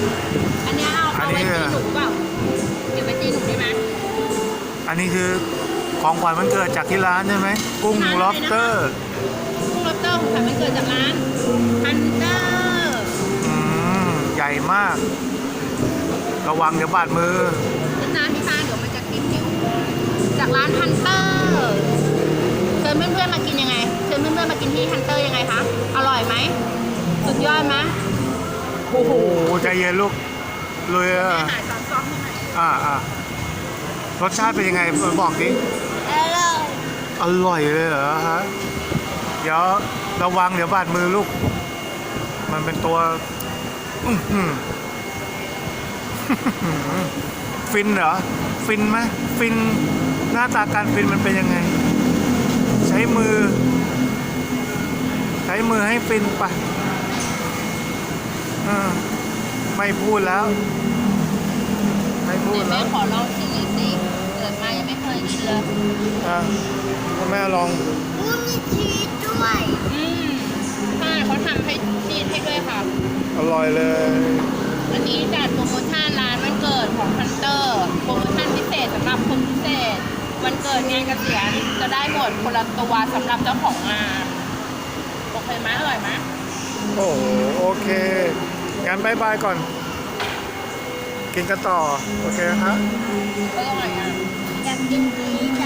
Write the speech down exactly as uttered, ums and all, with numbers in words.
อันนี้เอาเอาไว้ตีหนูเปล่าเก็บไว้ตีหนูได้ไหมอันนี้คือของขวัญวันเกิดจากที่ร้านใช่ไหมกุ้งล็อบสเตอร์กุ้งล็อบสเตอร์ของขวัญวันเกิดจากร้านฮันเตอร์อืมใหญ่มากระวังเดี๋ยวบาดมือนะพี่ฟ้าเดี๋ยวมันจะกินนิ้วจากร้านฮันเตอร์เชิญเพื่อนๆมากินยังไงเชิญเพื่อนๆมากินที่ฮันเตอร์ยังไงคะอร่อยไหมสุดยอดไหมโอ้โหใจเย็นลูกเลยอ่ะหายซอสซอสให้หน่อยอ่าอ่ารสชาติเป็นยังไงบอกดิอร่อยอร่อยเลยเหรอฮะเดี๋ยวระวังเดี๋ยวบาดมือลูกมันเป็นตัวฟินเหรอฟินไหมฟินหน้าตาการฟินมันเป็นยังไงใช้มือใช้มือให้ฟินปะไม่พูดแล้วไม่พูดแล้วแม่ขอลองชิมอีกสิเกิดมายังไม่เคยกินเลยอ่ะแม่ลองอุ้ยมีชีสด้วยอืมใช่เขาทำให้ชีสให้ด้วยค่ะอร่อยเลยอันนี้จัดโปรโมชั่นร้านวันเกิดของฮันเตอร์โปรโมชั่นพิเศษสำหรับคนพิเศษวันเกิดงานเกษียณจะได้หมดคนละตัวสำหรับเจ้าของงานโอเคไหมอร่อยไหมโอ้โอเคงั้นบายบายก่อนกินกันต่อโอเคฮะอร่อยอ่ะอยากกินอีก